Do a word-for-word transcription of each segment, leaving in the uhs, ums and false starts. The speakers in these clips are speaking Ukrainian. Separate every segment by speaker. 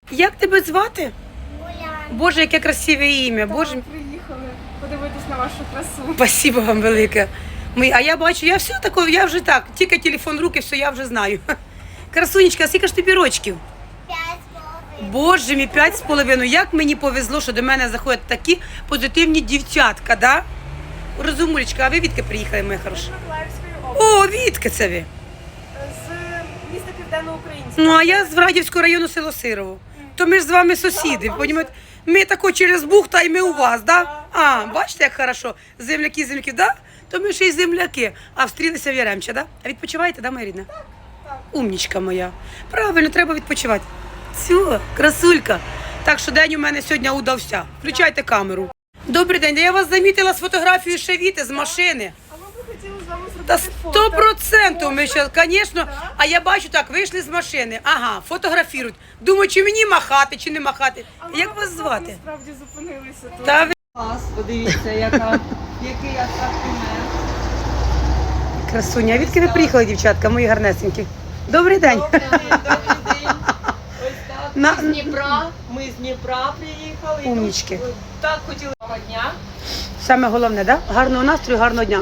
Speaker 1: Як тебе звати?
Speaker 2: Уляна.
Speaker 1: Боже, яке красиве ім'я. Боже,
Speaker 3: Приїхали подивитись на вашу красу.
Speaker 1: спасибо вам велике. Ми, а я бачу, я все таке, я вже так, тільки телефон в руки, все, я вже знаю. Красунечка, а скільки ж тобі рочків?
Speaker 2: П'ять з половиною.
Speaker 1: Боже мій, п'ять з половиною. Як мені повезло, що до мене заходять такі позитивні дівчатка, да? Розумулечка, а ви відки приїхали, моя хороша?
Speaker 3: З Миколаївської області.
Speaker 1: О, відки це ви?
Speaker 3: З міста Південноукраїнська.
Speaker 1: Ну, а я з Врадівського району село Сирово. То ми ж з вами сусіди, понімаєте? Ми тако через Бухта і ми у вас, да? А, бачите, як хорошо? Земляки, земляки, да? То ми ще й земляки. А встрілися в Яремча, да? А відпочиваєте, да, моя рідна?
Speaker 3: Так, так.
Speaker 1: Умнічка моя. Правильно, треба відпочивати. Все, красулька. Так що день у мене сьогодні удався. Включайте камеру. Добрий день, я вас замітила з фотографією Шевіти з машини.
Speaker 3: А ми б хотіли з вами
Speaker 1: Та
Speaker 3: зробити
Speaker 1: сто
Speaker 3: фото.
Speaker 1: процентів ми ще, звісно. А я бачу так, вийшли з машини. Ага, фотографірують. Думаю, чи мені махати, чи не махати.
Speaker 3: А ми
Speaker 1: Як вас
Speaker 3: тут
Speaker 1: звати?
Speaker 3: Насправді зупинилися тут.
Speaker 1: Та ви
Speaker 4: Клас, подивіться, яка, який асортимент.
Speaker 1: красуня. А відки ви приїхали, дівчатка, мої гарнесенькі? Добрий день.
Speaker 4: Добрий день, добрий день. Ось так.
Speaker 1: На-
Speaker 4: Ми з Дніпра, ми з Дніпра приїхали. І
Speaker 1: Умнічки.
Speaker 4: тут, Так хотіли того дня.
Speaker 1: Саме головне, да? Гарного настрою, гарного дня.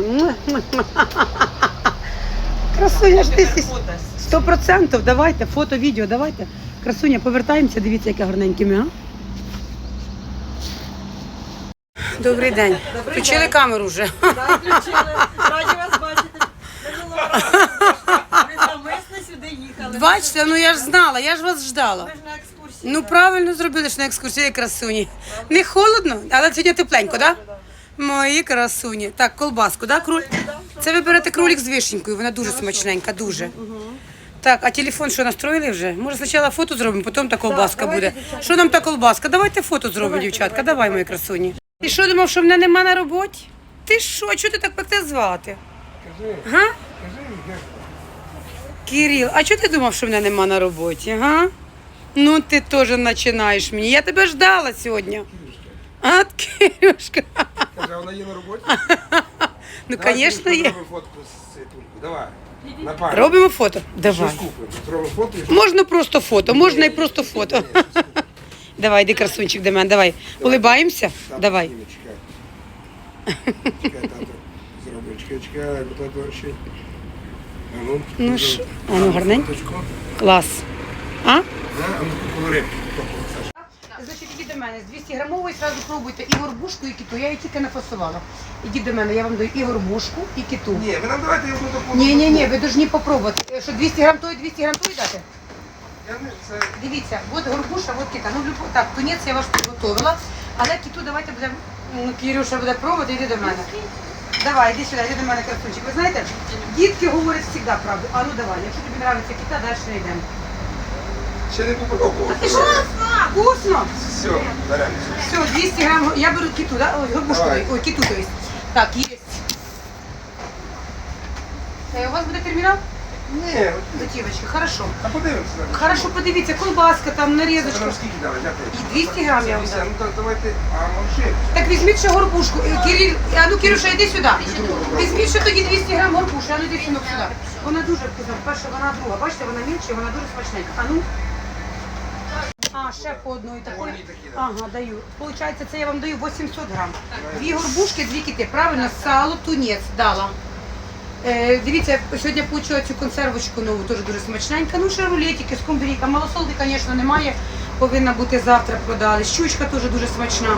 Speaker 1: Красуня ж ти.
Speaker 4: Тепер фотос.
Speaker 1: Сто процентів, давайте, фото, відео, давайте. Красуня, повертаємося, дивіться, яке гарненьке ми, а? Добрий день.
Speaker 4: Добрий
Speaker 1: Включили
Speaker 4: день.
Speaker 1: камеру вже.
Speaker 4: Так, включили. Раді вас бачити. Минулого разу ви навмисно сюди їхали.
Speaker 1: Бачите, ну я ж знала, я ж вас ждала.
Speaker 4: Ми ж на екскурсії.
Speaker 1: Ну правильно зробили, що на екскурсії красуні. Не холодно, але сьогодні тепленько, так? Да? Мої красуні. Так, колбаску, да, круль? Це ви берете кролик з вишенькою, вона дуже смачненька, дуже. Так, а телефон що, настроїли вже? Може спочатку фото зробимо, потім та колбаска буде. Що нам та колбаска? Давайте фото зробимо, дівчатка, давай, мої красуні. Ти що, думав, що мене нема на роботі? Ти що, чого ти так пекте звати? Га? Кирил, а чого ти думав, що мене нема на роботі, га? Ну ти теж починаєш мені. Я тебе ждала сьогодні. А, Кирюшка.
Speaker 5: Каже, вона є на роботі?
Speaker 1: Ну,
Speaker 5: Давай,
Speaker 1: звісно, є.
Speaker 5: Зробимо фотку з цією тулькою. Давай. На пару.
Speaker 1: Робимо фото?
Speaker 5: Щось
Speaker 1: Давай.
Speaker 5: купимо. Зробимо фото і
Speaker 1: Можна просто фото, можна і просто фото. Давай, йди, красунчик, до мене, давай. Улибаємося?
Speaker 5: Тато
Speaker 1: Давай.
Speaker 5: зніме, Чекай. Чекай, тато. Зробимо. Чекай, чекай, бо тато ще. А ну,
Speaker 1: Ну
Speaker 5: зробимо.
Speaker 1: що? А ну, гарненько.
Speaker 5: Фоточку.
Speaker 1: Клас. А?
Speaker 5: На, а ну, поговори. Саша.
Speaker 1: Значить, ідіть до мене. З двісті грамової одразу пробуйте і горбушку, і киту. Я її тільки нафасувала. Ідіть до мене, я вам даю і горбушку, і киту.
Speaker 5: Ні, ви нам давайте одну таку.
Speaker 1: Ні, ні, ні, ви повинні попробувати. Е, Що двісті грам тої, двісті грам тої дати?
Speaker 5: Я не, це...
Speaker 1: Дивіться, от горбуша, от кита. Ну, любо- так, тунець я ваш підготовила, але киту давайте будемо, ну, Кирюша буде пробувати, йди до мене. Давай, іди сюди, йди до мене, красунчик. Ви знаєте, дітки говорять завжди правду. А ну давай, якщо тобі подобається кита, далі не йдемо.
Speaker 5: Ще не попробував.
Speaker 1: Ти що? Вкусно!
Speaker 5: Все, беремо.
Speaker 1: Все, двісті грам, я беру киту, да? Ой, горбушку,
Speaker 5: Давай.
Speaker 1: ой, киту, то есть. Так, є. Е, У вас буде термінал?
Speaker 5: Ні,
Speaker 1: Готівочка, хорошо.
Speaker 5: а подивимося.
Speaker 1: Хорошо, подивіться, колбаска, там,
Speaker 5: Це
Speaker 1: нарізочка.
Speaker 5: нам скільки дали, дякую.
Speaker 1: І двісті грам я вам дам.
Speaker 5: Ну так давайте, а може.
Speaker 1: Так візьміть ще горбушку. Е, Кирил, а ну Кирюша, йди сюди. Візьміть ще тоді двісті грам горбушки, а ну йди сюди. Вона дуже вкусна. Перша, вона друга. Бачите, вона мільче, вона дуже смачненька. А ну. А, ще по одної такої.
Speaker 5: Одній такій, да.
Speaker 1: Ага, даю. Получається, це я вам даю вісімсот грам. Дві горбушки, дві кити. Правильно, сало, тунець дала. Е, дивіться, сьогодні я отримала цю консервочку нову, теж дуже смачненька. Ну, ще рулетики, скумбрійка. Малосолки, звісно, немає. Повинна бути завтра продали. Щучка теж дуже смачна.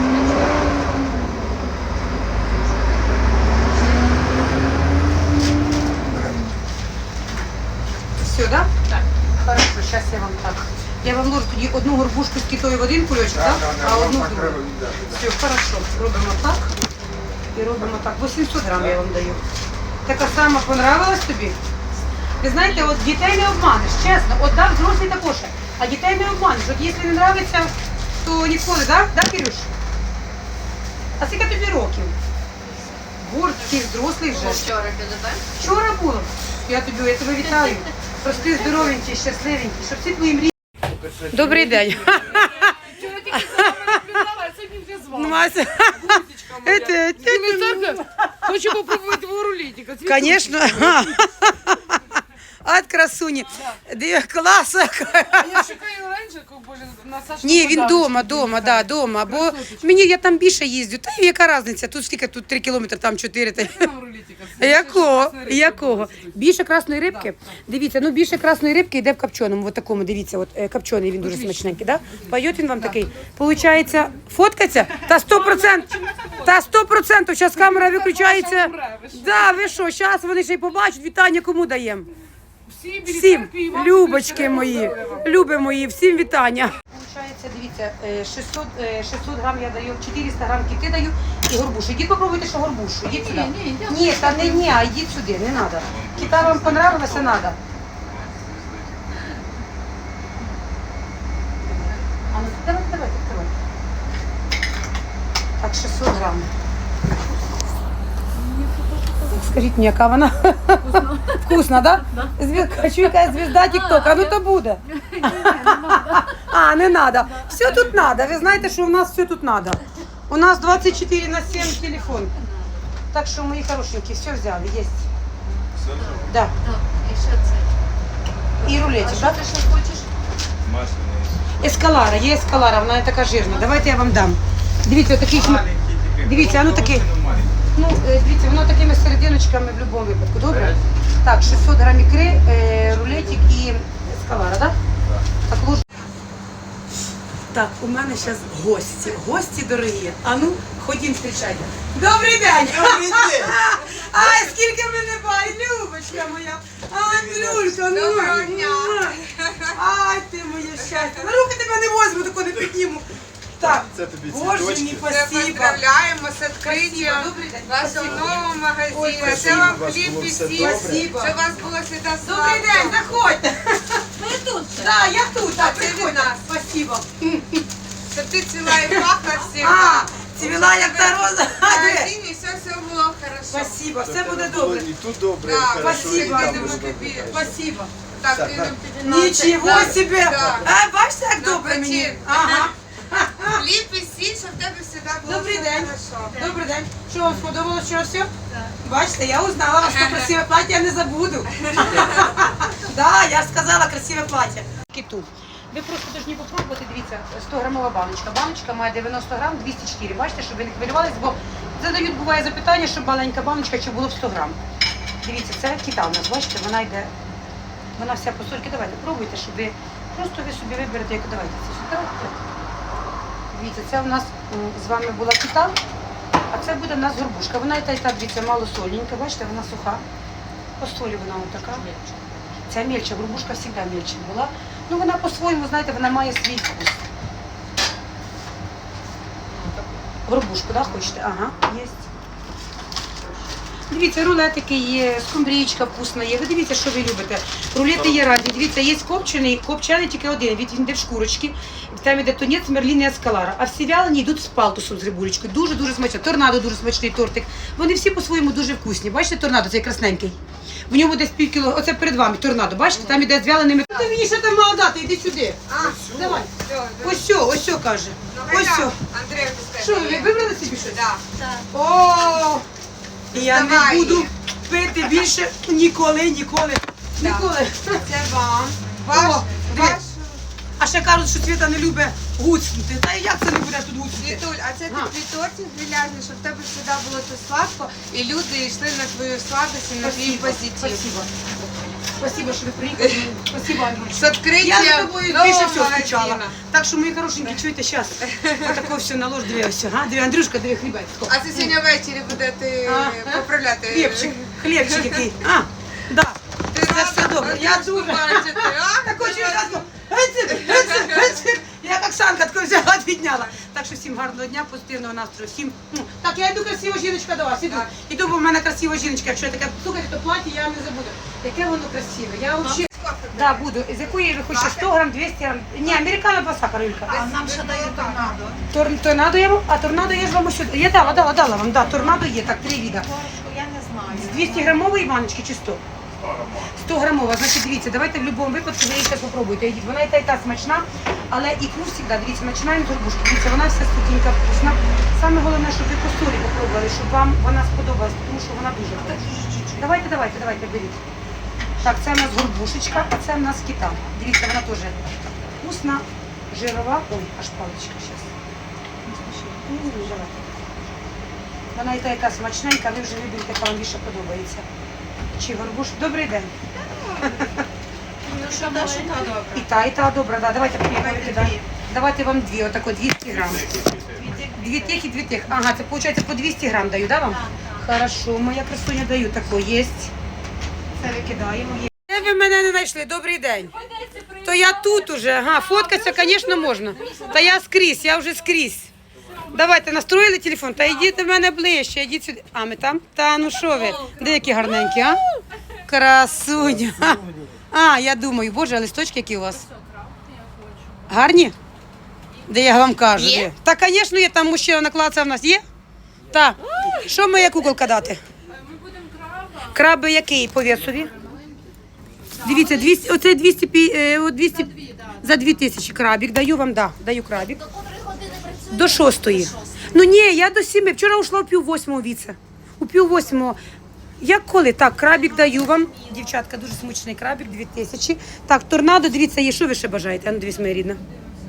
Speaker 1: Все, да? Так. Хорошо, зараз я вам так. Я вам ложу тоді одну горбушку з китою в один кульочок,
Speaker 5: Так,
Speaker 1: так?
Speaker 5: так,
Speaker 1: А
Speaker 5: так,
Speaker 1: одну
Speaker 5: так
Speaker 1: в
Speaker 5: треба
Speaker 1: другу.
Speaker 5: віддати.
Speaker 1: Все, хорошо. Робимо так. І робимо так. вісімсот грам я вам даю. Така сама понравилась тобі? Ви знаєте, от дітей не обманеш, чесно. От так, взрослі також. А дітей не обманеш. От якщо не подобається, то ніколи, так? Да, Кирюш? А скільки тобі років? Боже, такий взрослий вже.
Speaker 4: Вчора підете?
Speaker 1: Вчора було. Я тобі, я тебе вітаю. Прости, здоровенький, щасливенький, щоб всі твої мрії. Добрий день.
Speaker 3: Вчора тільки за вами наблюдала, а сьогодні вже з вами.
Speaker 1: Мася. Это,
Speaker 3: Хочу попробувати твого рулетика.
Speaker 1: Конечно. От красуні. Диви, клас.
Speaker 3: А я чекаю раніше, як були на Сашку.
Speaker 1: Ні, він дома, дома, да, дома. Бо мені я там більше їздю. Та й яка різниця? Тут скільки, тут три кілометри, там чотири. Та... Якого? Якого? Більше красної рибки? Дивіться, ну більше красної рибки йде в копченому, от такому, дивіться, от е, копчений, він дуже смачненький, да? Пойот він вам такий. Получається, фоткаться? Та сто процентів, та сто процентів, зараз камера виключається. Да, ви що, зараз вони ще й побачать, вітання кому даємо? Всім, любочки мої, люби мої, всім вітання. Получається, дивіться, е, шістсот, е, шістсот грам я даю, чотириста грам кити даю і горбушу. Ідіть попробуйте, що горбушу. Ідіть сюди. Ні, та не ні, а йдіть сюди, не треба. Кита вам понравилося, треба. А ну, давайте, давайте, давайте. Так, шістсот грам. Скажіть мені, яка вона? Вкусно. Вкусно, да? Да. Хочу якась звізда тік-тока, ну то буде. А, не треба. Все тут треба. Ви знаєте, що у нас все тут треба. У нас двадцять чотири на сім телефон. Так що, мої хорошенькі, все взяли, є.
Speaker 6: Все вже?
Speaker 1: Да.
Speaker 7: І що це?
Speaker 1: І рулетик,
Speaker 7: А
Speaker 1: да?
Speaker 7: що ти ще хочеш?
Speaker 6: Масляний.
Speaker 1: Ескалара, є ескалара, вона не така жирна. Давайте я вам дам. Дивіться, отакий шмат.
Speaker 6: Маленький тільки.
Speaker 1: Дивіться, а ну такий.
Speaker 6: Маленький.
Speaker 1: Ну, е, дивіться, воно такими серединочками в будь-якому випадку, добре? Так, шістсот грам ікри, е, рулетик і ескалара, так? Так, луж. Так, у мене зараз гості, гості дорогі. А ну, ходім, зустрічайте. Добрий день! Добрий день! Ай, скільки мене бай, Любочка моя! Андрюшка, ну! Доброго дня! Ай, ти моє щастя! На руки тебе не возьму, тако не підніму. Так,
Speaker 6: Це тобі
Speaker 1: Боже
Speaker 6: цвіточки.
Speaker 1: мій,
Speaker 3: Це
Speaker 1: спасибо.
Speaker 3: поздравляємо з відкриттям
Speaker 1: Добрий день.
Speaker 3: вашого нового магазину.
Speaker 1: Ой,
Speaker 3: Це вам
Speaker 6: у вас
Speaker 3: хліб
Speaker 6: було
Speaker 3: і
Speaker 6: все
Speaker 3: сіль.
Speaker 6: добре.
Speaker 1: Спасибо.
Speaker 3: Щоб у вас було завжди
Speaker 1: Добрий день, заходьте.
Speaker 7: Ми тут.
Speaker 1: Так, я тут, так,
Speaker 3: А це від
Speaker 1: приходьте.
Speaker 3: нас.
Speaker 1: Спасибо.
Speaker 3: Щоб ти ціла і пахла всіх.
Speaker 1: А, цвіла як та роза.
Speaker 3: В магазині все, все було хорошо.
Speaker 1: Спасибо, все буде
Speaker 6: Було
Speaker 1: добре.
Speaker 6: І тут добре, і
Speaker 3: Да,
Speaker 6: хорошо, і
Speaker 1: спасибо.
Speaker 6: там
Speaker 3: Йдемо
Speaker 6: буде
Speaker 3: тобі.
Speaker 6: добре.
Speaker 1: Спасибо.
Speaker 3: Так,
Speaker 6: Так,
Speaker 3: йдемо
Speaker 6: так.
Speaker 3: тобі на
Speaker 1: Нічого
Speaker 3: це.
Speaker 1: себе.
Speaker 3: Да.
Speaker 1: А, бачите, як
Speaker 3: На
Speaker 1: добре мені.
Speaker 3: печі.
Speaker 1: Ага.
Speaker 3: Хліб і сіль, щоб в тебе завжди було
Speaker 1: Добрий
Speaker 3: все
Speaker 1: день.
Speaker 3: хорошо.
Speaker 1: Добрий день. Що вам сподобалось, що все? Бачите, я узнала вас, що красиве плаття, я не забуду. Да, я ж сказала красиве плаття. Киту. Ви просто повинні попробувати, дивіться, сто грамова баночка. Баночка має дев'яносто грам, двісті чотири. Бачите, щоб ви не хвилювались, бо задають, буває запитання, щоб маленька баночка, чи було в сто грам. Дивіться, це кита у нас, бачите, вона йде, вона вся по сольки. Давайте, пробуйте, щоб ви, просто ви собі виберете, яку давайте це сюди. Дивіться, це у нас м, з вами була кита, а це буде в нас горбушка. Вона і та, і та, дивіться, мало сольненька, бачите, вона суха. По солі вона отака. Ця мельча, горбушка завжди мельча була. Ну вона по-своєму, знаєте, вона має свій вкус. Горбушку, да, хочете? Ага, є. Дивіться, рулетики є, скумбрічка вкусна є. Ви дивіться, що ви любите. Рулети є різні. Дивіться, є копчений, копчений тільки один. Він йде в шкурочки, там йде тунець, мерлін і ескалара. А всі вялені йдуть з палтусом, з рибулечкою. Дуже-дуже смачно. Торнадо дуже смачний тортик. Вони всі по-своєму дуже вкусні. Бачите, торнадо, цей красненький. В ньому десь пів кіло, оце перед вами торнадо. Бачите, там іде з вяленими. Ти мені що там мало дати, іди сюди.
Speaker 3: А,
Speaker 1: Давай.
Speaker 3: все,
Speaker 1: Ось сьо, ось сьо каже. Ось сьо.
Speaker 3: Андрій,
Speaker 1: Що, ви вибрали собі щось?
Speaker 3: Да.
Speaker 1: О, я не
Speaker 3: Давай.
Speaker 1: буду пити більше ніколи, ніколи, ніколи.
Speaker 3: Це вам.
Speaker 1: О,
Speaker 3: Ваш,
Speaker 1: диви.
Speaker 3: ваш
Speaker 1: А ще кажуть, що Світа не любить гуцнути. Та як це не буде тут гуцнути?
Speaker 3: Світуль, а це
Speaker 1: А.
Speaker 3: такий тортик грильяжний, щоб в тебе завжди було то сладко, і люди йшли на твою сладость і на твій
Speaker 1: Спасибо,
Speaker 3: позитив.
Speaker 1: спасибо. Спасибо, що ви приїхали. Спасибо, Андрюш.
Speaker 3: З відкриттям
Speaker 1: Я за тобою
Speaker 3: нового
Speaker 1: більше всього скучала.
Speaker 3: магазину.
Speaker 1: Так що, мої хорошенькі, чуєте, зараз. Отако все наложь, диви, ось. Ага, диви, Андрюшка, диви, хлібець.
Speaker 3: А це сьогодні ввечері будете
Speaker 1: А,
Speaker 3: поправляти.
Speaker 1: Хлібчик, хлібчик який. А, да.
Speaker 3: Ти
Speaker 1: Це все
Speaker 3: рада
Speaker 1: добре. Я
Speaker 3: Андрюшку
Speaker 1: дуже.
Speaker 3: бачити, а?
Speaker 1: Так хочу разом. Я як Оксанка тако взяла, відняла. Так що всім гарного дня, позитивного настрою. Всім. ну, Так, я йду красива жіночка до вас. Іду.
Speaker 3: Так.
Speaker 1: Іду, бо в мене красива жіночка. Якщо я таке, слухайте, то плаття я не забуду. Яке воно красиве. Я взагалі. Да, буду. З якої ви хочете? сто грам, двісті грам. Ні, американо два сахара, Юлька.
Speaker 7: А нам ще дають торнадо.
Speaker 1: Тор, торнадо я вам, а торнадо я ж вам ось сюди. Я дала, дала, дала вам. Да, торнадо є, так, три віда.
Speaker 7: Я не знаю.
Speaker 1: З двісті грамової баночки чи сто? сто грамова, значить, дивіться, давайте в будь-якому випадку ви її зараз попробуйте. Йдіть. Вона і та, і та смачна, але ікру завжди, дивіться, починаємо з горбушки. Дивіться, вона вся сухенька, вкусна. Саме головне, щоб ви по солі попробували, щоб вам вона сподобалась, тому що вона дуже хороша. Давайте, давайте, давайте, беріть. Так, це у нас горбушечка, а це у нас кита. Дивіться, вона теж вкусна, жирова. Ой, аж паличка зараз. Вона і та яка смачненька, ви вже виберете, яка вам більше подобається. Чи горбуш? Добрий день.
Speaker 7: Ну що, Даша, добре.
Speaker 1: І та, і та добра, да. Давайте попробуйте, да. Давайте вам дві, отако двісті грам. Дві тих і дві тих. Ага, це виходить по двісті грам даю, да вам? Хорошо, моя красуня даю, тако є. Це викидаємо. Є. Де ви мене не знайшли? Добрий день. То я тут уже. Ага, фоткатися, звісно, можна. Та я скрізь, я вже скрізь. Давайте, настроїли телефон, та йдіть до мене ближче, йдіть сюди. А ми там? Та ну що ви? Де які гарненькі, а? Красуня. А, я думаю, боже, а листочки які у вас? Гарні? Де я вам кажу? Є? Та, звісно, є, там мужчина наклацав в нас. Є? Так. Що моя куколка дати? Ми будемо краба. Краби який по весові? Дивіться, двісті, оце двісті, е, двісті за дві тисячі крабик. Даю вам, да, даю крабик.
Speaker 2: До котрої години працює?
Speaker 1: До шостої. Ну ні, я до сіми. Вчора ушла у пів восьмого віце. У пів восьмого. Як коли? Так, крабик даю вам. Дівчатка, дуже смачний крабик, дві тисячі. Так, торнадо, дивіться, є, що ви ще бажаєте? А ну, дивіться, моя рідна.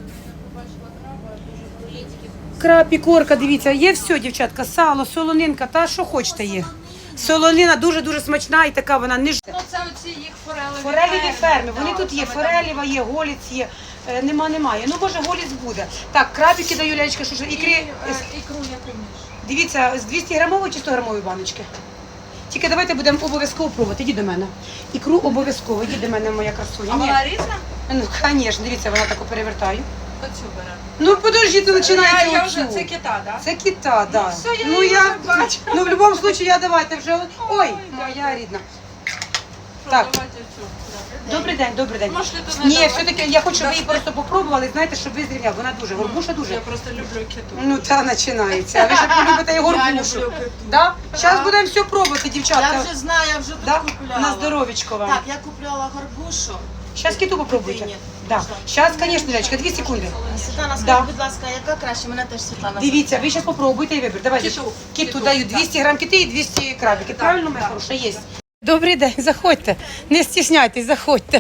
Speaker 1: Краб, корка, дивіться, є все, дівчатка, сало, солонинка, та що хочете є. Солонина дуже-дуже смачна і така вона не ж...
Speaker 7: Ну це оці їх форелеві.
Speaker 1: Фореліві ферми, вони
Speaker 7: Так,
Speaker 1: тут є,
Speaker 7: саме так.
Speaker 1: форелєва є, голіць є, е, нема, немає. Ну, може, голіць буде. Так, крабики даю, лялечка, що ж, ікри,
Speaker 7: І, е, ікру яку між.
Speaker 1: дивіться, з двісті грамової чи сто грамової баночки. Тільки давайте будемо обов'язково пробувати, іди до мене. Ікру обов'язково, іди до мене, моя красуня.
Speaker 7: А
Speaker 1: Ні.
Speaker 7: вона різна?
Speaker 1: Ну, звісно, дивіться, вона таку перевертаю.
Speaker 7: Оцю беремо.
Speaker 1: Ну, подожди, ти починаєш
Speaker 7: Я, я
Speaker 1: оцю.
Speaker 7: вже, це кита, так?
Speaker 1: Це кита, да.
Speaker 7: все, я
Speaker 1: ну,
Speaker 7: її
Speaker 1: я,
Speaker 7: вже бачу.
Speaker 1: ну, в будь-якому випадку, я давайте вже... Ой, моя рідна. Так.
Speaker 7: Давайте цю.
Speaker 1: Добрий день, добрий день.
Speaker 7: Можете то не
Speaker 1: Ні,
Speaker 7: давати.
Speaker 1: все-таки я хочу, щоб ви її просто попробували, знаєте, щоб ви зрівняли. Вона дуже, горбуша дуже.
Speaker 7: Я просто люблю киту.
Speaker 1: Ну, та починається. А ви ж полюбите і горбушу.
Speaker 7: люблю киту.
Speaker 1: Да? Зараз будемо все пробувати, дівчатка.
Speaker 8: Я вже знаю, я вже тут
Speaker 1: Да?
Speaker 8: купляла.
Speaker 1: На здоровечко вам.
Speaker 8: Так, я купляла горбушу.
Speaker 1: Зараз киту попробуйте.
Speaker 8: Китині.
Speaker 1: Да.
Speaker 8: Можна?
Speaker 1: Зараз, звісно, Лялечка, дві секунди.
Speaker 8: Світлана, скажіть,
Speaker 1: Да.
Speaker 8: будь ласка, яка краще? Мене теж Світлана.
Speaker 1: Дивіться, ви зараз попробуйте і вибір. Давайте.
Speaker 7: Киту.
Speaker 1: Киту
Speaker 7: Киту,
Speaker 1: даю
Speaker 7: да.
Speaker 1: двісті грам кити і двісті крабики. Правильно, моя хороша? Є. Добрий день, заходьте. Не стісняйтесь, заходьте.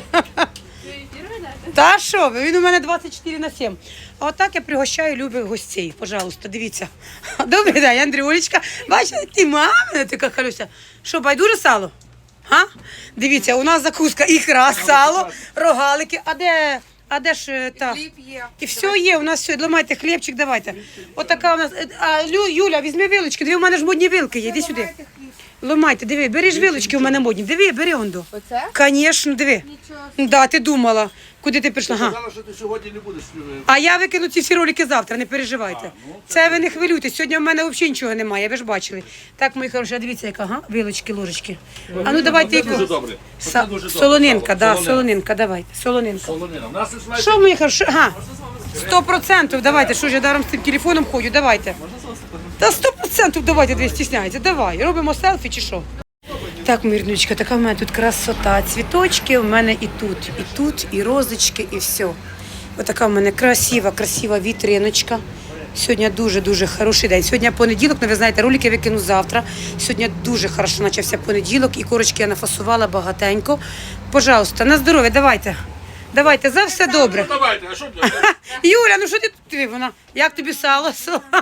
Speaker 1: Та що ви? Він у мене двадцять чотири на сім. А отак я пригощаю любих гостей. Пожалуйста, дивіться. Добрий день, Андрюлечка. Бачите, ти мама, така Халюся. Що, байдуже сало? Га? Дивіться, у нас закуска ікра, сало, рогалики. А де, а де ж е, та?
Speaker 3: Хліб є.
Speaker 1: І все є, у нас все. Ламайте хлібчик, давайте. Отака у нас. е, А, Лю, Юля, візьми вилочки. Диви, у мене ж модні вилки є. Іди сюди. Ламайте, диви, бери ж вилочки у мене модні. Диви, бери онду.
Speaker 3: Оце?
Speaker 1: Звісно, диви. Да, ти думала. Куди ти прийшла? Ага.
Speaker 5: Сказала, що ти сьогодні не будеш.
Speaker 1: А я викину ці всі ролики завтра, не переживайте. Це ви не хвилюйтесь. Сьогодні в мене взагалі нічого немає, ви ж бачили. Так, мої хороші, а дивіться, яка, ага, вилочки, ложечки. А ну давайте яку.
Speaker 6: Дуже добре.
Speaker 1: Са-
Speaker 6: Дуже добре.
Speaker 1: Солонинка, да,
Speaker 6: Солонина.
Speaker 1: солонинка, давайте, солонинка.
Speaker 6: Солонина. У нас і знаєте,
Speaker 1: Що, мої хороші? Ага, сто процентів, давайте, що ж я даром з цим телефоном ходю, давайте. Та сто процентів давайте, дві стісняється, давай, робимо селфі чи що? Так, мирнючка, така в мене тут красота, цвіточки, у мене і тут, і тут, і розочки, і все. Отака в мене красива, красива вітриночка. Сьогодні дуже-дуже хороший день. Сьогодні понеділок, ну ви знаєте, ролики викину завтра. Сьогодні дуже хорошо почався понеділок, і корочки я нафасувала багатенько. Пожалуйста, на здоров'я, давайте. Давайте, за все добре.
Speaker 6: ну давайте, а що ти?
Speaker 1: Юля, ну що ти тут? Диви, вона, як тобі сало?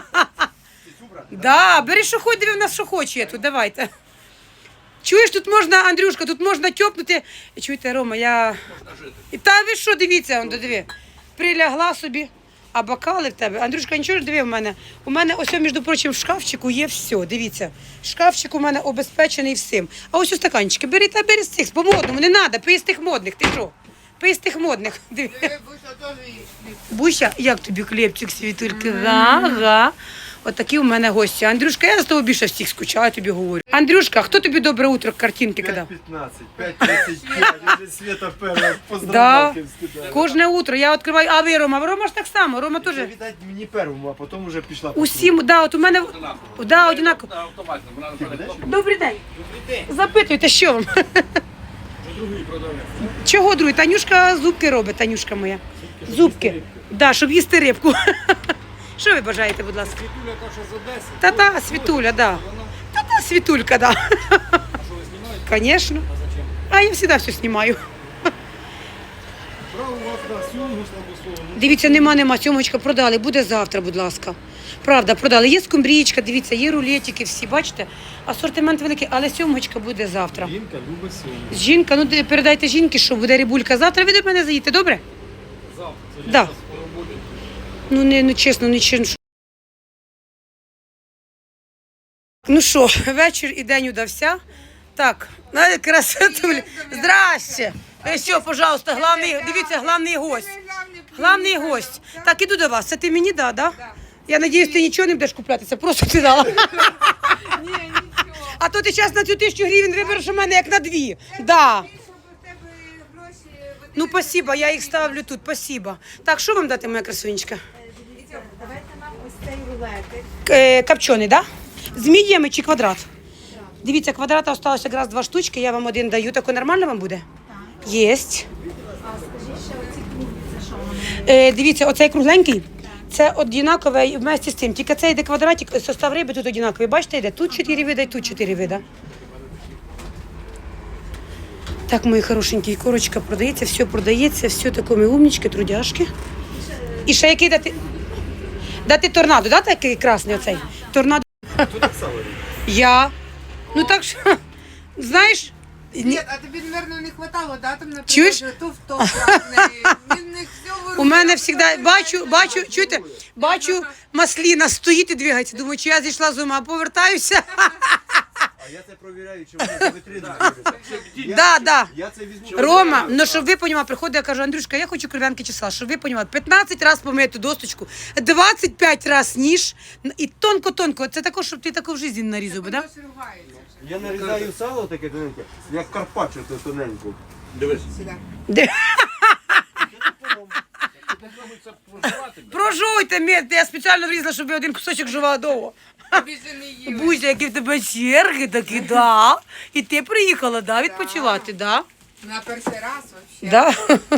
Speaker 1: Да, бери, що хоч, диви, в нас що хоче є тут, давайте. Чуєш, тут можна, Андрюшка, тут можна тьопнути. Чуєте, Рома, я... І Та ви що, дивіться, он, диви. Прилягла собі, а бокали в тебе. Андрюшка, нічого ж диви в мене. У мене ось, між прочим, в шкафчику є все, дивіться. Шкафчик у мене обезпечений всім. А ось у стаканчики, бери та бери з цих, по-модному, не треба, пий з тих модних, ти що? Пий з тих модних. Диви. Буся, як тобі хлібчик, світульки? Га, га. Отакі у мене гості. Андрюшка, я з тобою більше всіх скучаю, тобі говорю. Андрюшка, хто тобі добре утро картинки кидав?
Speaker 5: п'ятнадцять, п'ять тридцять п'ять, вже Света перша
Speaker 1: Да.
Speaker 5: поздравляки скидає.
Speaker 1: Кожне утро я відкриваю, а ви, Рома, Рома ж так само, Рома теж.
Speaker 5: Це, видать, мені первому, а потім вже пішла.
Speaker 1: Усім, да, от у мене, да, одинаково.
Speaker 6: Автоматно. Вона напевне,
Speaker 1: Добрий день. Запитуйте, що вам? Чого другий? Танюшка зубки робить, Танюшка моя. Зубки. Да, щоб їсти рибку. Що ви бажаєте, будь ласка?
Speaker 5: Світуля та, що з Одеси.
Speaker 1: Та-та, Світуля, да. Та-та, Світулька, да. Звісно. А я завжди все знімаю.
Speaker 5: Право у вас на сьомгу, слабо слово.
Speaker 1: Дивіться, нема, нема, сьомочка продали, буде завтра, будь ласка. Правда, продали. Є скумбрічка, дивіться, є рулетики всі, бачите? Асортимент великий, але сьомочка буде завтра.
Speaker 5: Жінка любить сьомгу.
Speaker 1: Жінка, ну де- передайте жінки, що буде рибулька завтра. Ви до мене заїдете, добре?
Speaker 6: Завтра. Це
Speaker 1: Да.
Speaker 6: да. скоро буде.
Speaker 1: Ну, не, ну чесно, не чесно. Ну що, вечір і день удався. Так, на красотулі. Здрасте. Е, Все, пожалуйста, главний, дивіться, главний гость. Главний гость. Так, іду до вас. Це ти мені, да, да? Я надіюсь, ти нічого не будеш куплятися, просто ти дала.
Speaker 3: Ні, нічого.
Speaker 1: А то ти час на цю тисячу гривень вибереш у мене як на дві. Да.
Speaker 3: Щоб у тебе гроші...
Speaker 1: Ну, спасибо, я їх ставлю тут, спасибо. Так, що вам дати, моя красунечка?
Speaker 4: Давайте нам ось цей рулетик.
Speaker 1: Е, Копчений, да? З мідіями чи квадрат? Дивіться, квадрата осталося якраз два штучки, я вам один даю. Тако нормально вам буде? Так. Єсть.
Speaker 4: А скажіть ще оці круглі, це що вони?
Speaker 1: Е, дивіться, оцей кругленький, це однакове вместе з цим. Тільки це йде квадратик, состав риби тут однаковий. Бачите, йде тут чотири вида і тут чотири вида. Так, мої хорошенькі, корочка продається, все продається, все таке ми умнічки, трудяшки. І ще який дати? Дати торнадо, да, такий красний оцей? Торнадо. Я. Ну так що, знаєш, ні-
Speaker 3: Ні, а тобі, мабуть, не хватало, да, там на
Speaker 1: Чуєш?
Speaker 3: то в то красний. Він не все вирубає.
Speaker 1: у мене завжди, бачу, бачу, чуєте, бачу, масліна стоїть і двигається. Думаю, чи я зійшла з ума, повертаюся.
Speaker 9: А я це провіряю, чи вони за вітрину роблять.
Speaker 1: Да, да.
Speaker 9: Я це візьму.
Speaker 1: Рома, ну щоб ви понімали, приходить, я кажу, Андрюшка, я хочу кров'янки числа, щоб ви понімали, п'ятнадцять разів помити досточку, двадцять п'ять разів ніж, і тонко-тонко, це також, щоб ти таку в житті не нарізав, би, да?
Speaker 3: Хтось ругається.
Speaker 9: Я нарізаю сало таке тоненьке, як карпаччо то тоненько.
Speaker 6: Дивись.
Speaker 3: Сюди.
Speaker 1: Де?
Speaker 6: Ти не зробиш це проживати.
Speaker 1: Прожуйте, мед, я спеціально врізала, щоб ви один кусочок жувала довго.
Speaker 3: Тобі ще не їли.
Speaker 1: Бузя, які в тебе черги такі, да. І ти приїхала, да, відпочивати, да?
Speaker 3: На перший раз взагалі.
Speaker 1: Да.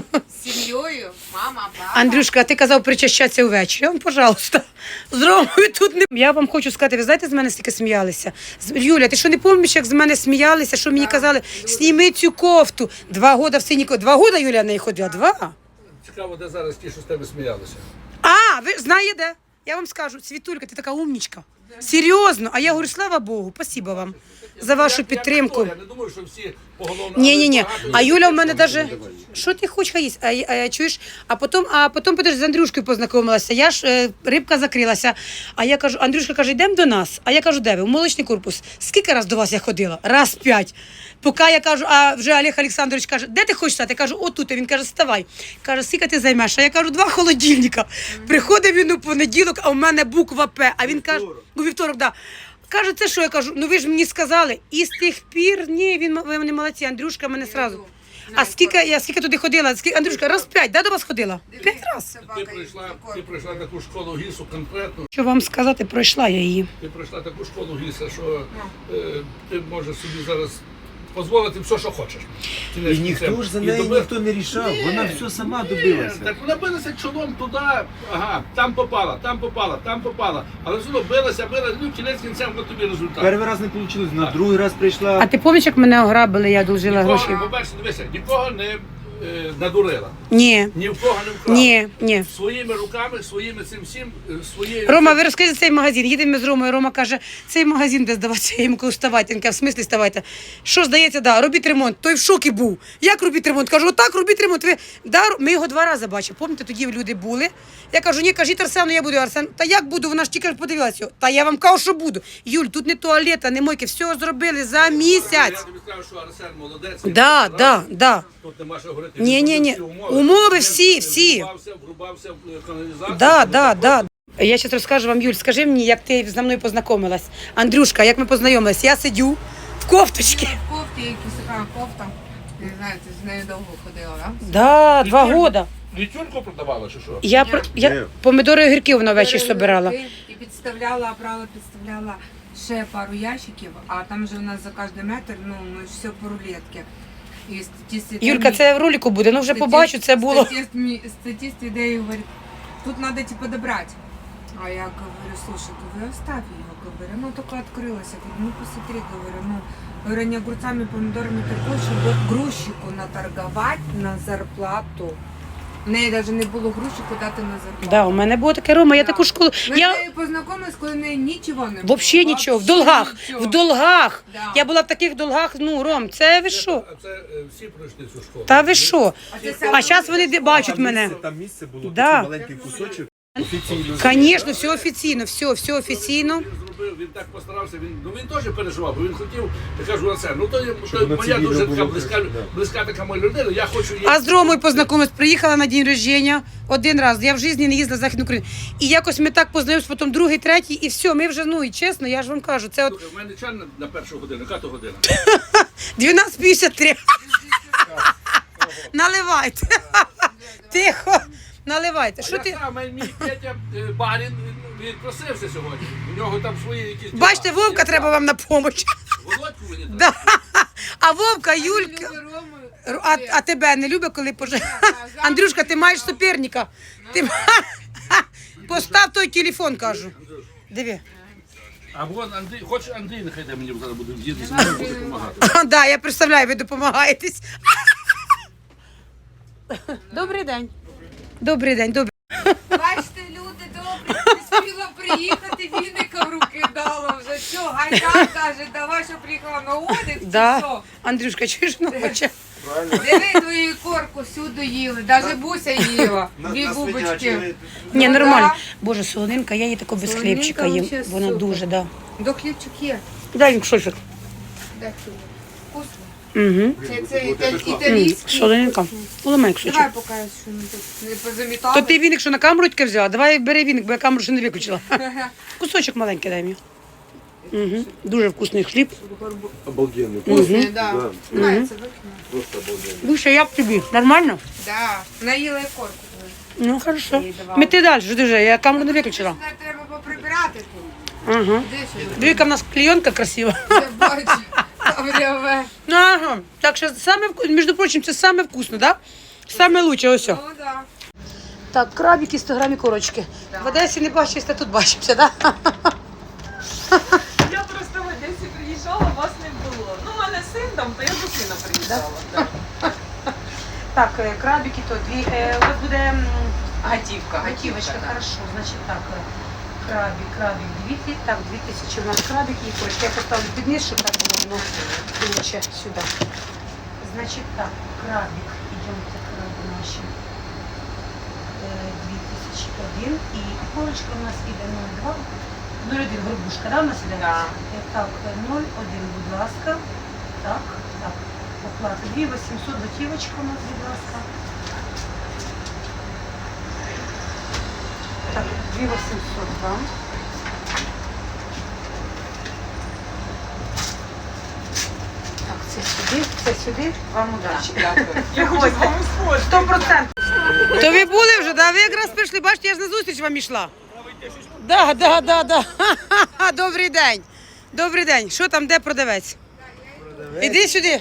Speaker 3: З сім'єю, мама, папа.
Speaker 1: Андрюшка, а ти казав причащатися увечері. Он, пожалуйста, з Ромою тут не... Я вам хочу сказати, ви знаєте, з мене стільки сміялися? З- Юля, ти що не пам'ятаєш, як з мене сміялися, що мені казали, сніми цю кофту. Два года в синій кофті. Два года Юля в неї ходила? Два?
Speaker 6: Цікаво, де зараз ті, що з тебе сміялися.
Speaker 1: А, ви знаєте де? Я вам скажу, Світулька, ти така умнічка. Серйозно. А я говорю, слава Богу, спасибо вам за вашу
Speaker 6: Я- я
Speaker 1: підтримку.
Speaker 6: ніхто, Я не думаю, що всі поголовно...
Speaker 1: Ні, ні, ні.
Speaker 6: але багато
Speaker 1: А
Speaker 6: є
Speaker 1: Юля в
Speaker 6: тих,
Speaker 1: мене
Speaker 6: що
Speaker 1: даже.
Speaker 6: не давай.
Speaker 1: Що ти хочеш хай їсть? А, я- а, я чуєш? А потім, а потім підеш з Андрюшкою познайомилася. Я ж е, рибка закрилася. А я кажу, Андрюшка каже, йдемо до нас. А я кажу, де ви? В молочний корпус. Скільки раз до вас я ходила? Раз п'ять. Поки я кажу, а вже Олег Олександрович каже, де ти хочеш стати? Я кажу, отут. А він каже, вставай. Каже, скільки ти займеш? А я кажу, два холодильника. Приходить він у понеділок, а у мене буква П. А він каже, у вівторок, да. Каже, це що? Я кажу, ну ви ж мені сказали. І з тих пір, ні, він ви мене молодці, Андрюшка мене сразу. А скільки я скільки туди ходила? Скільки, Андрюшка, раз п'ять, да, до вас ходила? П'ять раз.
Speaker 6: Ти прийшла, ти прийшла таку школу гісу конкретну.
Speaker 1: Що вам сказати, пройшла я її.
Speaker 6: Ти пройшла таку школу гіса, що е, ти можеш собі зараз дозволити все, що хочеш. Ти не
Speaker 9: І ніхто ж за
Speaker 6: і
Speaker 9: неї
Speaker 6: доби-
Speaker 9: ніхто не рішав,
Speaker 6: Ні.
Speaker 9: вона все сама
Speaker 6: Ні,
Speaker 9: добилася.
Speaker 6: так вона билася чолом туди, ага, там попала, там попала, там попала. Але все одно билася, билася, ну кінець кінцем на тобі результат.
Speaker 9: Перший раз не вийшло, на другий раз
Speaker 1: А
Speaker 9: прийшла.
Speaker 1: ти пам'ятаєш, як мене ограбили, я одолжила гроші?
Speaker 6: Нікого, по-перше, дивися, нікого не е, надурила,
Speaker 1: Ні,
Speaker 6: ні в кого не вкрала.
Speaker 1: ні, ні.
Speaker 6: Своїми руками, своїми цим всім, е, своєю...
Speaker 1: Рома, ви розкажіть цей магазин. Їдемо ми з Ромою. Рома каже, цей магазин де здаватися. Я йому кажу, вставайте. Він каже, в смислі вставайте? Що здається, да, робіть ремонт. Той в шокі був. Як робіть ремонт? Кажу, отак робіть ремонт. Ви да, ми його два рази бачили. Пам'ятаєте, тоді люди були. Я кажу, ні, кажіть Арсену, я буду. Арсен, та як буду? Вона ж тільки подивилася. його. Та я вам кажу, що буду. Юль, тут не туалета, не мойки. Все зробили за
Speaker 6: Я
Speaker 1: місяць.
Speaker 6: тобі скажу, що Арсен молодець.
Speaker 1: Да, да, да.
Speaker 6: Тут нема що говорити.
Speaker 1: Ні,
Speaker 6: Він
Speaker 1: ні, ні.
Speaker 6: зробив
Speaker 1: Умови
Speaker 6: Він
Speaker 1: всі, всі.
Speaker 6: Врубався, врубався в е, каналізацію.
Speaker 1: Да,
Speaker 6: тому
Speaker 1: да,
Speaker 6: що
Speaker 1: да. Я зараз розкажу вам, Юль, скажи мені, як ти зі мною познайомилась. Андрюшка, як ми познайомились? Я сидю в кофточці.
Speaker 3: В кофті, якась така кофта. Не знаю, ти з нею довго ходила, так?
Speaker 1: Да, два года.
Speaker 6: Літюрку продавала чи що?
Speaker 1: Я, про- я помидори і огірки вона ввечері собирала.
Speaker 3: І підставляла, брала, підставляла ще пару ящиків, а там же у нас за кожен метр, ну, ми ж все по рулетки. І статист,
Speaker 1: Юлька, це в ролику буде, ну вже побачу, це було.
Speaker 3: Статист, мі- статист ідею говорить, тут треба типу добрати. А я говорю, слушай, говорю, оставь ее, говорю, ну только открылась. Я говорю, ну посмотри, говорю, ну, говорю, не огурцами, помидорами торгуешь, чтобы грузчику наторговать на зарплату. В неї навіть не було грузчику дати на зарплату.
Speaker 1: Да, у мене було таке, Рома, я
Speaker 3: Да.
Speaker 1: таку школу.
Speaker 3: Ми з
Speaker 1: Я
Speaker 3: нею познайомились, коли в неї нічого не було.
Speaker 1: взагалі нічого, в
Speaker 3: Вообще
Speaker 1: долгах,
Speaker 3: нічого.
Speaker 1: в долгах.
Speaker 3: Да.
Speaker 1: Я була в таких долгах, ну, Ром, це ви що?
Speaker 6: А це е, всі пройшли цю школу.
Speaker 1: Та ви що?
Speaker 3: А це
Speaker 1: А зараз вони де- бачать
Speaker 9: Там
Speaker 1: мене.
Speaker 9: місце- Там місце було,
Speaker 1: Да.
Speaker 9: такий маленький кусочок. Офіційно.
Speaker 1: Звісно, все офіційно, все, все офіційно.
Speaker 6: Він зробив, він так постарався, він, ну він теж переживав, бо він хотів, я кажу на це, ну то, є- то
Speaker 9: воно
Speaker 6: моя
Speaker 9: цивільно
Speaker 6: дуже така
Speaker 9: було,
Speaker 6: близька,
Speaker 9: да.
Speaker 6: близька така моя людина, я хочу її.
Speaker 1: А з Ромою познайомилась, приїхала на день рождення один раз. Я в житті не їздила в Західну Україну. І якось ми так познайомилися, потім другий, третій, і все, ми вже, ну і чесно, я ж вам кажу, це от
Speaker 6: Слухай, в мене чан на- на першу годину, яка то година?
Speaker 1: дванадцять п'ятдесят три. Наливайте. Тихо. Наливайте. Що
Speaker 6: А
Speaker 1: ти?
Speaker 6: я сам, мій Петя е, барін, він відпросився сьогодні, у нього там свої якісь діла.
Speaker 1: Бачите, Вовка
Speaker 6: Я
Speaker 1: треба вам на допомогу.
Speaker 6: Володьку мені треба.
Speaker 1: Да. А Вовка, Юлька.
Speaker 3: Люби Рому.
Speaker 1: Р- А, а тебе не любить, коли поже... Андрюшка, ти маєш суперника. Ти... Постав той телефон, кажу. Диви.
Speaker 6: А вон Андрій, хочеш Андрій, нехай де мені зараз буде діти, мені буде допомагати.
Speaker 1: А, да, я представляю, ви допомагаєтесь. Добрий день. Добрий день, добрий.
Speaker 3: Бачите, люди добрі, не спіла приїхати, віника в руки дала вже. Все, гайда каже, давай, що приїхала на отдих, чи
Speaker 1: Да.
Speaker 3: що?
Speaker 1: Андрюшка, чуєш ночі?
Speaker 3: Диви твою корку всюди їли, навіть Буся їла,
Speaker 9: На-
Speaker 3: дві
Speaker 9: на
Speaker 3: бубочки.
Speaker 9: свинячі.
Speaker 1: Ні,
Speaker 3: Ну,
Speaker 1: нормально.
Speaker 3: да.
Speaker 1: Боже, солонинка, я її тако без
Speaker 3: Солонинка
Speaker 1: хлібчика їм.
Speaker 3: вообще
Speaker 1: Вона
Speaker 3: супер.
Speaker 1: дуже, да.
Speaker 3: До хлібчик є.
Speaker 1: Дай їм шофік.
Speaker 3: Дай хліб. Вкусно.
Speaker 1: Угу.
Speaker 3: Це, це італь- італійський.
Speaker 1: Солонинка. Уламай кусочок.
Speaker 3: Давай покажеш, що ми тут не позамітали.
Speaker 1: То ти віник, що на камеру тільки взяла? Давай бери віник, бо я камеру ще не виключила. Кусочок маленький дай мені. Угу. Дуже вкусний хліб.
Speaker 9: Обалденно.
Speaker 3: Вкусний, да.
Speaker 9: Да.
Speaker 3: Давай, це викину.
Speaker 9: Просто обалденно.
Speaker 1: Душа, як тобі? Нормально?
Speaker 3: Да. Наїла і корку.
Speaker 1: Ну, хорошо.
Speaker 3: Їй давала.
Speaker 1: Мети далі, що ти вже, я камеру не виключила.
Speaker 3: Сюди треба поприбирати тут.
Speaker 1: Ага.
Speaker 3: Де сюди?
Speaker 1: Диви, яка в нас клейонка красива.
Speaker 3: Я бачу. Там ряве.
Speaker 1: Ну, ага. Так що саме, вку- між прочим, це саме вкусно, да? Саме лучше, ось.
Speaker 3: Ну, да.
Speaker 1: Так, крабики, сто грамів корочки. В Одесі не бачишся, тут бачимося, да?
Speaker 7: Я просто в Одесі приїжджала, вас не було. Ну, у мене син там, то я до сина приїжджала. так.
Speaker 1: Так, е, крабики то дві, е, у вас буде м,
Speaker 7: Гатівка,
Speaker 1: готівочка, хорошо, значить так, е, крабик, крабик, дві, ти- так, дві тисячі у нас крабик і корочки. Я поставлю під низ, щоб так було, воно лучше сюди. Значить так, крабик, ідемте, краби наші. Е, дві тисячі один і корочка у нас іде нуль два, нуль один горбушка, да, у нас іде?
Speaker 7: Да.
Speaker 1: Е, Так, нуль один, будь ласка. Так, так. Оплата дві вісімсот, готівочка у нас, будь ласка. Так, дві вісімсот вам. Так, це сюди, це сюди, вам удачі.
Speaker 7: Дякую. Я хочу з вами сходити.
Speaker 1: Сто процентів. То ви були вже, да? Ви якраз прийшли, бачите, я ж на зустріч вам йшла. Да, да, да, да. Ха-ха-ха. Добрий день. Добрий день. Що там, де продавець? Іди сюди.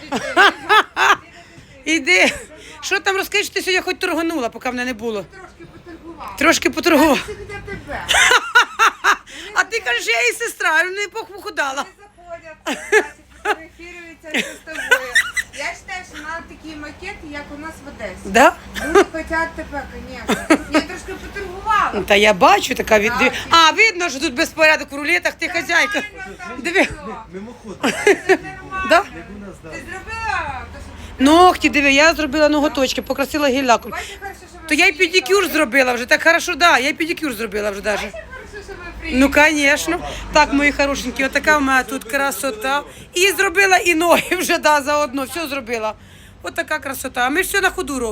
Speaker 1: Іди. Що там розкажи, що ти сьогодні хоч торганула, поки мене не було.
Speaker 3: Трошки поторгувала.
Speaker 1: Трошки поторгувала.
Speaker 3: Це для тебе.
Speaker 1: А ти кажеш, я її сестра, не похудала.
Speaker 3: Заходять, значить, фотографіруються з тобою. Я вважаю, що треба такі макети, як у нас в Одесі.
Speaker 1: Да?
Speaker 3: Люди хочуть тебе, звісно. Я трошки поторгувала.
Speaker 1: Та я бачу, така від... А, видно, що тут безпорядок в рулетах, ти хазяйка. Диви.
Speaker 9: Мимоход.
Speaker 1: Да?
Speaker 3: Ти зробила? те, що-
Speaker 1: Ногті, диви, я зробила ноготочки, покрасила гіль-лаком.
Speaker 3: Бачиш, хорошо, що ми
Speaker 1: То я й
Speaker 3: приїхали.
Speaker 1: педикюр зробила вже, так хорошо, да, я й педикюр зробила вже даже.
Speaker 3: Бачиш, хорошо, що ми приїхали.
Speaker 1: Ну, звісно. Так, мої хорошенькі, отака в мене тут красота. І зробила і ноги вже, да, заодно, все зробила. Отака красота. А ми ж все на ходу робимо.